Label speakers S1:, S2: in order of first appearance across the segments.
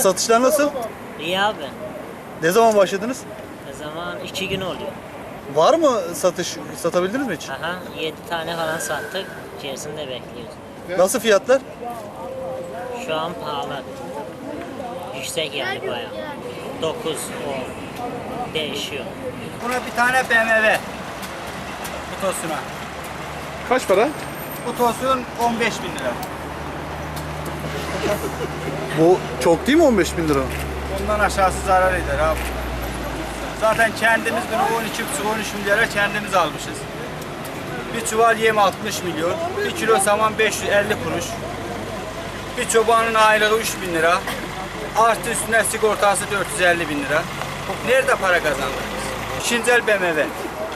S1: Satışlar nasıl?
S2: İyi abi.
S1: Ne zaman başladınız?
S2: O zaman 2 gün oluyor.
S1: Var mı satış? Satabildiniz mi hiç?
S2: Aha 7 tane falan sattık. İçerisinde bekliyoruz.
S1: Nasıl fiyatlar?
S2: Şu an pahalı. Yüksek yani bayağı. 9, 10 değişiyor.
S3: Buna bir tane BMW. Bu tosuna.
S1: Kaç para?
S3: Bu tosun 15 bin lira.
S1: Bu çok değil mi 15.000 lira?
S3: Ondan aşağısı zarar eder abi. Zaten kendimiz bunu 12,5-13 milyara kendimiz almışız. Bir çuval yem 60 milyon, bir kilo saman 550 kuruş. Bir çobanın aylığı 3 bin lira. Artı üstüne sigortası 450 bin lira. Nerede para kazandık biz? Şinzel BMW.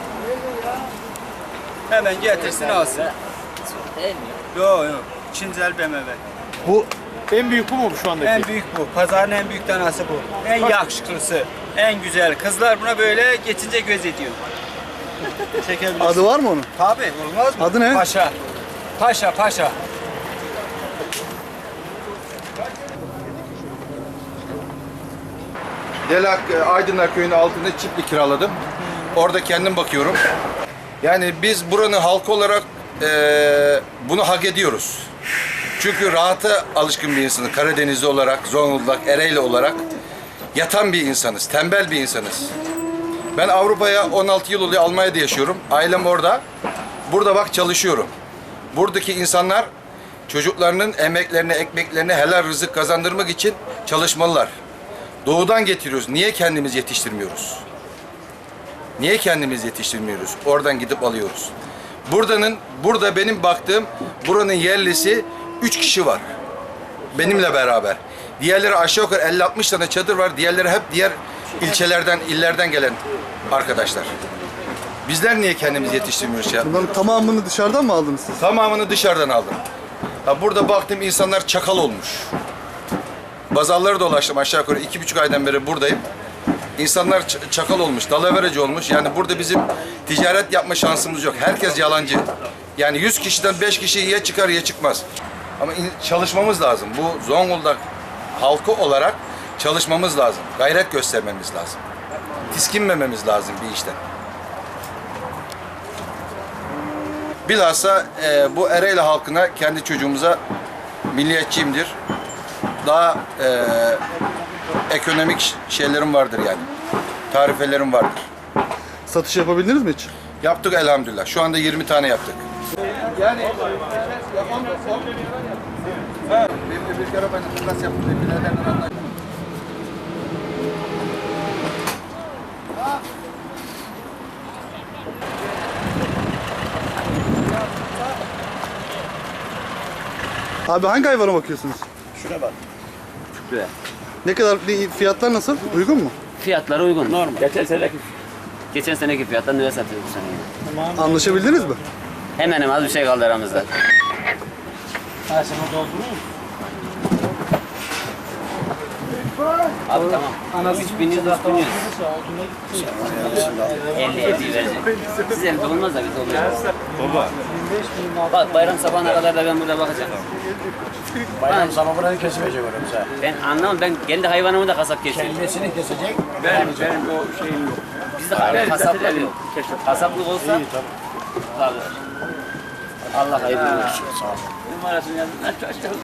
S3: Hemen getirsin alsın.
S2: Değil mi?
S3: Yok yok. Şinzel BMW.
S1: Bu en büyük bu mu şu andaki?
S3: En büyük bu. Pazarın en büyük tanesi bu. En yakışıklısı. En güzel. Kızlar buna böyle geçince göz ediyor. Çekebilirsin.
S1: Adı var mı onun?
S3: Tabii olmaz mı?
S1: Adı ne?
S3: Paşa. Paşa, paşa.
S4: Delak Aydınlar Köyü'nün altında çiftlik kiraladım. Orada kendim bakıyorum. Yani biz buranın halkı olarak bunu hak ediyoruz. Çünkü rahata alışkın bir insanız. Karadenizli olarak, Zonguldak, Ereğli olarak yatan bir insanız, tembel bir insanız. Ben Avrupa'ya 16 yıl oluyor, Almanya'da yaşıyorum. Ailem orada. Burada bak çalışıyorum. Buradaki insanlar çocuklarının emeklerini, ekmeklerini helal rızık kazandırmak için çalışmalılar. Doğudan getiriyoruz. Niye kendimiz yetiştirmiyoruz? Niye kendimiz yetiştirmiyoruz? Oradan gidip alıyoruz. Burada benim baktığım buranın yerlisi 3 kişi var. Benimle beraber. Diğerleri aşağı yukarı 50-60 tane çadır var. Diğerleri hep diğer ilçelerden, illerden gelen arkadaşlar. Bizler niye kendimiz yetiştirmiyoruz ya?
S1: Bunların tamamını dışarıdan mı aldınız siz?
S4: Tamamını dışarıdan aldım. Ha, burada baktım insanlar çakal olmuş. Pazarları dolaştım aşağı yukarı 2,5 aydan beri buradayım. İnsanlar çakal olmuş, dalavereci olmuş. Yani burada bizim ticaret yapma şansımız yok. Herkes yalancı. Yani 100 kişiden 5 kişi ya çıkar ya çıkmaz. Ama çalışmamız lazım. Bu Zonguldak halkı olarak çalışmamız lazım. Gayret göstermemiz lazım. Tiskinmememiz lazım bir işten. Bilhassa bu Ereğli halkına, kendi çocuğumuza milliyetçiyimdir. Daha ekonomik şeylerim vardır yani. Tarifelerim vardır.
S1: Satış yapabildiniz mi hiç?
S4: Yaptık elhamdülillah. Şu anda 20 tane yaptık. Yani bir kere ben nasıl yaptım?
S1: Abi hangi hayvana bakıyorsunuz?
S3: Şuna bak.
S5: Şuraya.
S1: Ne kadar fiyatlar nasıl? Uygun mu?
S5: Fiyatlar uygun. Normal. Geçen seneki fiyattan ne satıyoruz bu sene?
S1: Anlaşabildiniz mi?
S5: Hemen hemen az bir şey kaldı aramızda. Abi tamam. 3.100, 4.100. 50 verecek. Siz evde olmaz da biz olmayız. Baba. Bak bayram sabahına kadar da ben burada bakacağım.
S6: Bayram sabah buranı kesemeyecek öyle.
S5: Ben anlamam, ben kendi hayvanımı da kasap kesiyorum.
S6: Kendisini kesecek.
S5: Benim o şeyim yok. Bizde kasaplık yok. Kasaplık olsa kalır. Allah hayırlı olsun. Numarasını yazın.